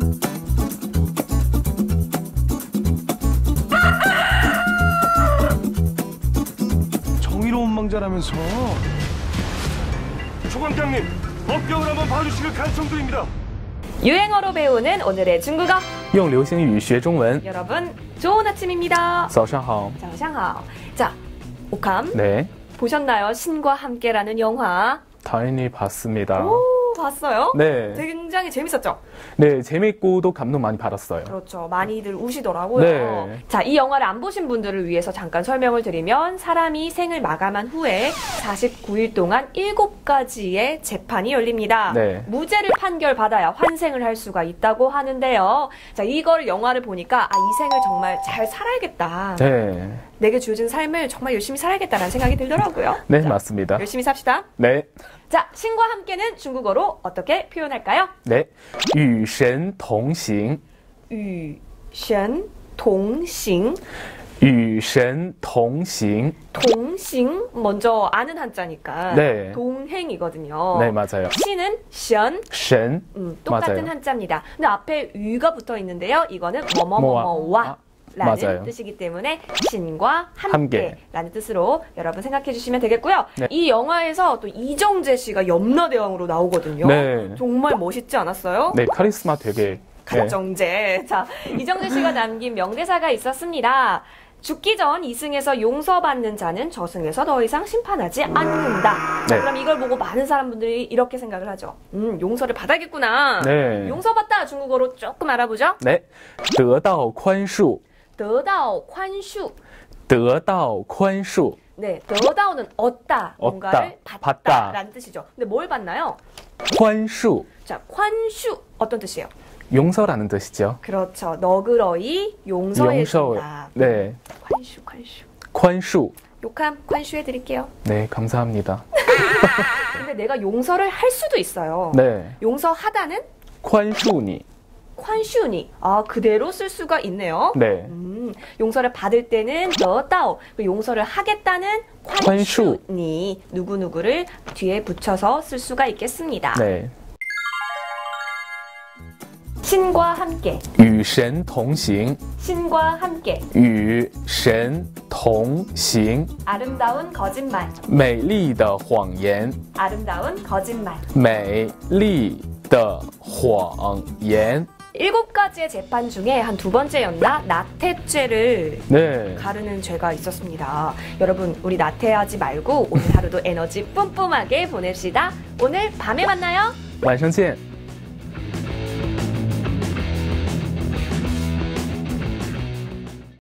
정의로운 망자라면서. 조광장님, 법경을 한번 봐주시길 간청드립니다. 유행어로 배우는 오늘의 중국어. 用流行语学中文. 여러분, 좋은 아침입니다. 早上好. 早上好. 자, 옥함. 네, 보셨나요? 신과 함께라는 영화. 당연히 봤습니다. 오, 봤어요? 네, 굉장히 재밌었죠? 네, 재밌고도 감동 많이 받았어요. 그렇죠. 많이들 우시더라고요. 네. 자, 이 영화를 안 보신 분들을 위해서 잠깐 설명을 드리면 사람이 생을 마감한 후에 49일 동안 7가지의 재판이 열립니다. 네. 무죄를 판결받아야 환생을 할 수가 있다고 하는데요. 자, 이걸 영화를 보니까 아, 이 생을 정말 잘 살아야겠다. 네, 내게 주어진 삶을 정말 열심히 살아야겠다는 생각이 들더라고요. 네, 자, 맞습니다. 열심히 삽시다. 네, 자, 신과 함께는 중국어로 어떻게 표현할까요? 네, 与神同行, 与神同行. 与神同行. 동싱 먼저 아는 한자니까 네. 동행이거든요. 네, 맞아요. 시는 神, 神, 똑같은 맞아요. 한자입니다. 근데 앞에 유가 붙어 있는데요. 이거는 뭐뭐뭐뭐와 라는 맞아요. 뜻이기 때문에 신과 함께. 함께라는 뜻으로 여러분 생각해 주시면 되겠고요. 네. 이 영화에서 또 이정재 씨가 염라대왕으로 나오거든요. 네. 정말 멋있지 않았어요? 네, 카리스마 되게. 네. 가정제. 자, 이정재 씨가 남긴 명대사가 있었습니다. 죽기 전 이승에서 용서받는 자는 저승에서 더 이상 심판하지 않는다. 자, 네. 그럼 이걸 보고 많은 사람분들이 이렇게 생각을 하죠. 용서를 받아야겠구나. 네. 용서받다 중국어로 조금 알아보죠. 네, 得到宽恕, 得到宽恕. 得到宽恕. 네, 得到는 얻다, 뭔가를 받다. 받다라는 뜻이죠. 근데 뭘 받나요? 宽恕, 자, 宽恕 어떤 뜻이에요? 용서라는 뜻이죠. 그렇죠. 너그러이 용서해준다. 네, 관슈. 宽恕. 욕함 관슈해드릴게요. 네, 감사합니다. 근데 내가 용서를 할 수도 있어요. 네, 용서하다는 宽恕你. 관슈니. 아, 그대로 쓸 수가 있네요. 네, 용서를 받을 때는 너다오. 용서를 하겠다는 관슈니. 누구누구를 뒤에 붙여서 쓸 수가 있겠습니다. 네. 신과 함께. 与神同行, 신과 함께. 与神同行. 아름다운 거짓말. 美丽的谎言, 아름다운 거짓말. 美丽的谎言. 7가지의 재판 중에 한 2번째였나? 나태죄를 네, 가르는 죄가 있었습니다. 여러분, 우리 나태하지 말고 오늘 하루도 에너지 뿜뿜하게 보냅시다. 오늘 밤에 만나요. 晚上见.